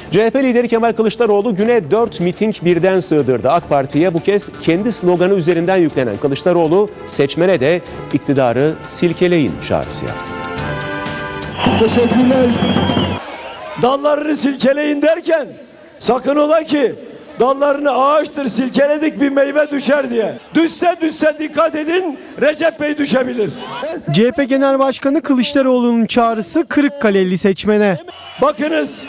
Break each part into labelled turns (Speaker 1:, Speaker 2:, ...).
Speaker 1: CHP lideri Kemal Kılıçdaroğlu güne 4 miting birden sığdırdı. AK Parti'ye bu kez kendi sloganı üzerinden yüklenen Kılıçdaroğlu seçmene de iktidarı silkeleyin çağrısı yaptı.
Speaker 2: Teşekkürler. Dallarını silkeleyin derken sakın ola ki dallarını ağaçtır silkeledik bir meyve düşer diye. Düşse dikkat edin, Recep Bey düşebilir.
Speaker 3: CHP Genel Başkanı Kılıçdaroğlu'nun çağrısı Kırıkkaleli seçmene.
Speaker 2: Bakınız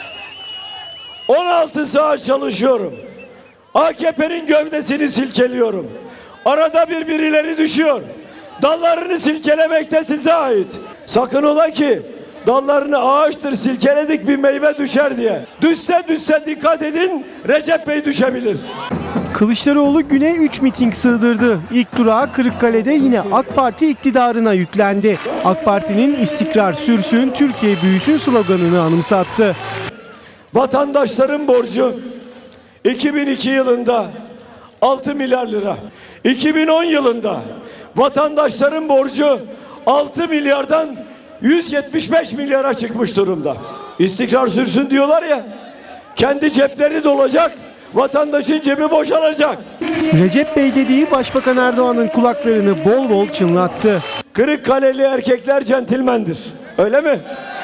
Speaker 2: 16 saat çalışıyorum. AKP'nin gövdesini silkeliyorum. Arada birileri düşüyor. Dallarını silkelemek de size ait. Sakın ola ki dallarını ağaçtır silkeledik bir meyve düşer diye. Düşse dikkat edin, Recep Bey düşebilir.
Speaker 3: Kılıçdaroğlu güne 3 miting sığdırdı. İlk durağı Kırıkkale'de yine AK Parti iktidarına yüklendi. AK Parti'nin istikrar sürsün, Türkiye büyüsün sloganını anımsattı.
Speaker 2: Vatandaşların borcu 2002 yılında 6 milyar lira. 2010 yılında vatandaşların borcu 6 milyardan 175 milyara çıkmış durumda. İstikrar sürsün diyorlar ya, kendi cepleri dolacak, vatandaşın cebi boşalacak.
Speaker 3: Recep Bey dediği Başbakan Erdoğan'ın kulaklarını bol bol çınlattı.
Speaker 2: Kırıkkaleli erkekler centilmendir, öyle mi?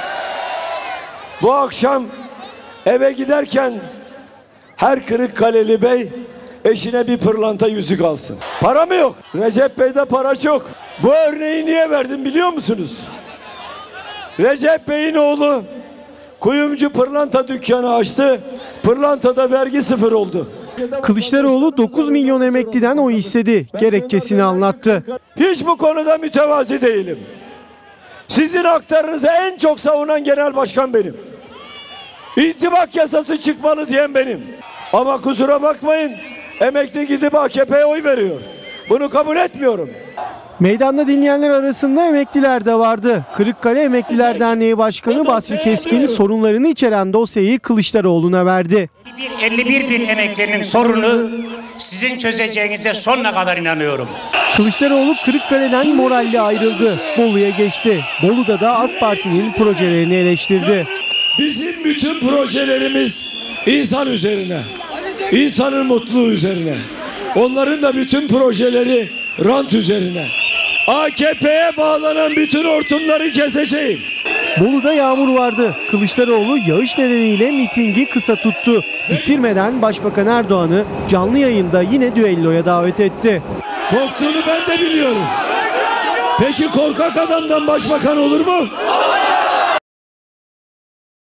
Speaker 2: Bu akşam eve giderken her Kırıkkaleli bey eşine bir pırlanta yüzük alsın. Para mı yok? Recep Bey'de para çok. Bu örneği niye verdim biliyor musunuz? Recep Bey'in oğlu kuyumcu pırlanta dükkanı açtı. Pırlantada vergi sıfır oldu.
Speaker 3: Kılıçdaroğlu 9 milyon emekliden oy istedi. Gerekçesini anlattı.
Speaker 2: Hiç bu konuda mütevazi değilim. Sizin haklarınızı en çok savunan genel başkan benim. İntibak yasası çıkmalı diyen benim. Ama kusura bakmayın, emekli gidip AKP'ye oy veriyor. Bunu kabul etmiyorum.
Speaker 3: Meydanda dinleyenler arasında emekliler de vardı. Kırıkkale Emekliler Derneği Başkanı Basri Keskin sorunlarını içeren dosyayı Kılıçdaroğlu'na verdi.
Speaker 4: 51 bin emeklinin sorunu sizin çözeceğinize sonuna kadar inanıyorum.
Speaker 3: Kılıçdaroğlu Kırıkkale'den moralle ayrıldı. Bolu'ya geçti. Bolu'da da AK Parti'nin projelerini eleştirdi.
Speaker 2: Bizim bütün projelerimiz insan üzerine, insanın mutluluğu üzerine. Onların da bütün projeleri rant üzerine. AKP'ye bağlanan bütün hortumları keseceğim.
Speaker 3: Bolu'da yağmur vardı. Kılıçdaroğlu yağış nedeniyle mitingi kısa tuttu. Bitirmeden Başbakan Erdoğan'ı canlı yayında yine düelloya davet etti.
Speaker 2: Korktuğunu ben de biliyorum. Peki korkak adamdan başbakan olur mu?